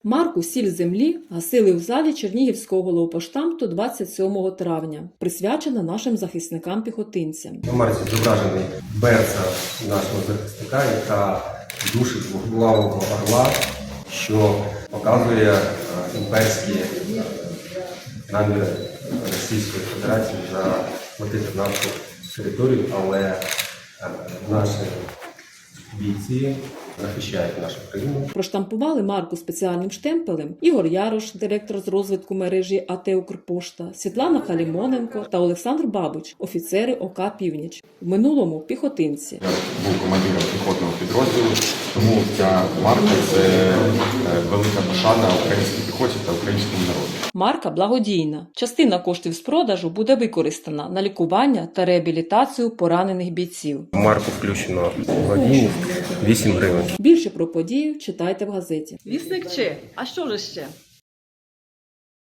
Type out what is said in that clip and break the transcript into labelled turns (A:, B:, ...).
A: Марку «Сіль землі» гасили в залі Чернігівського головпоштамту 27 травня, присвячена нашим захисникам-піхотинцям.
B: На марці зображений берця нашого захисника, яка душить двоглавого орла, що показує імперські наміри Російської Федерації захватити нашу територію, але наші бійці захищають нашу країну.
A: Проштампували марку спеціальним штемпелем Ігор Ярош, директор з розвитку мережі АТ «Укрпошта», Світлана Халімоненко та Олександр Бабич, офіцери ОК «Північ». В минулому – піхотинці.
C: Я був командиром піхотного підрозділу, тому ця марка – це велика пошана українській піхоті та українському народу.
A: Марка благодійна. Частина коштів з продажу буде використана на лікування та реабілітацію поранених бійців.
B: В марку включено благодійність 8 гривень.
A: Більше про подію читайте в газеті.
D: Вісник Че, а що ж ще?